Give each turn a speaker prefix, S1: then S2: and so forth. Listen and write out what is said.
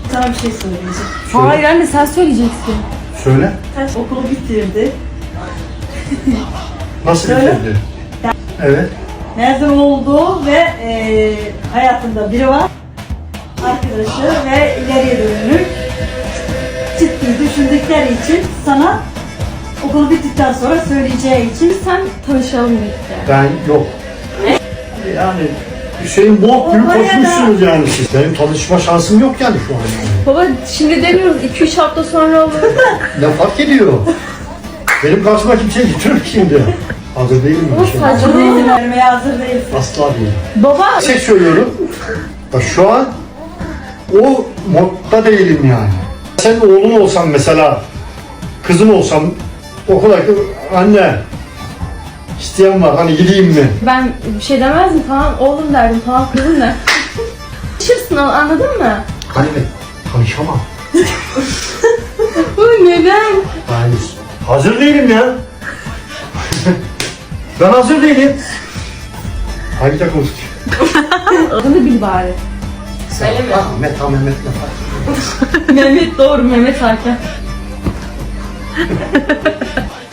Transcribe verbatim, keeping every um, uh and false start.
S1: Sana bir şey söyleyeceğim.
S2: Söyle.
S3: Hayır anne sen söyleyeceksin.
S2: Söyle.
S1: Ters okulu bitirdi.
S2: Nasıl
S1: Söyle.
S2: bitirdi? Evet.
S1: Mezun oldu ve e, hayatında biri var. Arkadaşı ve ileriye dönük ciddi düşündükleri için sana okulu bittikten sonra söyleyeceği için
S3: Sen tanışalım dedik yani.
S2: Ben yok. Yani Hüseyin Bolt gibi
S1: Oraya da-
S2: koşmuşsunuz yani siz. Benim tanışma şansım yok yani şu an. Yani.
S3: Baba şimdi demiyoruz iki üç hafta sonra olur.
S2: Ne fark ediyor? Benim karşıma kimse getirir şimdi. Hazır değilim
S3: Ama
S2: bir şey.
S3: sadece
S1: izin vermeye hazır değilsin.
S2: Asla değil.
S3: Baba
S2: Bir şey söylüyorum. Bak şu an o modda değilim yani. Sen oğlum olsan mesela, kızım olsam okula anne isteyen var hani gideyim mi?
S3: ben bir şey demezdim tamam oğlum derdim tamam kızım ne? Tanışırsın anladın mı?
S2: Hani tanışamam.
S3: Bu neden?
S2: Hayır. Hazır değilim ya. Ben hazır değilim. Hangi takım tutuyor?
S3: Adını bil bari.
S2: Öyle mi? Ahmet, ha Mehmet ne fark ediyor?
S3: Mehmet doğru Mehmet Hakan.